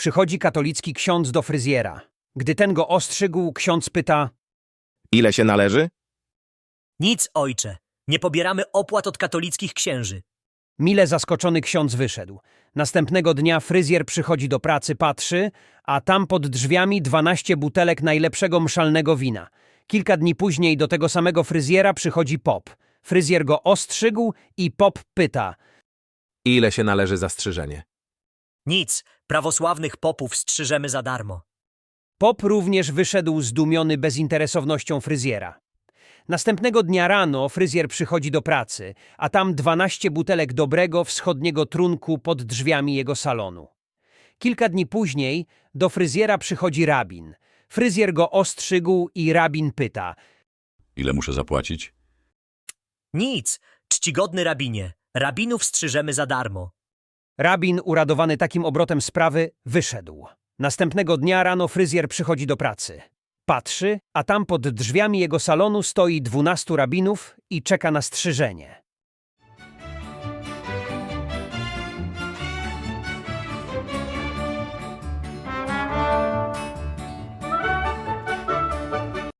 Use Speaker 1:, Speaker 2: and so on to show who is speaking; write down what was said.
Speaker 1: Przychodzi katolicki ksiądz do fryzjera. Gdy ten go ostrzygł, ksiądz pyta:
Speaker 2: Ile się należy?
Speaker 3: Nic, ojcze. Nie pobieramy opłat od katolickich księży.
Speaker 1: Mile zaskoczony ksiądz wyszedł. Następnego dnia fryzjer przychodzi do pracy, patrzy, a tam pod drzwiami 12 butelek najlepszego mszalnego wina. Kilka dni później do tego samego fryzjera przychodzi pop. Fryzjer go ostrzygł i pop pyta:
Speaker 4: Ile się należy za strzyżenie?
Speaker 3: Nic. Prawosławnych popów strzyżemy za darmo.
Speaker 1: Pop również wyszedł zdumiony bezinteresownością fryzjera. Następnego dnia rano fryzjer przychodzi do pracy, a tam 12 butelek dobrego wschodniego trunku pod drzwiami jego salonu. Kilka dni później do fryzjera przychodzi rabin. Fryzjer go ostrzygł i rabin pyta:
Speaker 5: Ile muszę zapłacić?
Speaker 3: Nic. Czcigodny rabinie. Rabinów strzyżemy za darmo.
Speaker 1: Rabin, uradowany takim obrotem sprawy, wyszedł. Następnego dnia rano fryzjer przychodzi do pracy. Patrzy, a tam pod drzwiami jego salonu stoi 12 rabinów i czeka na strzyżenie.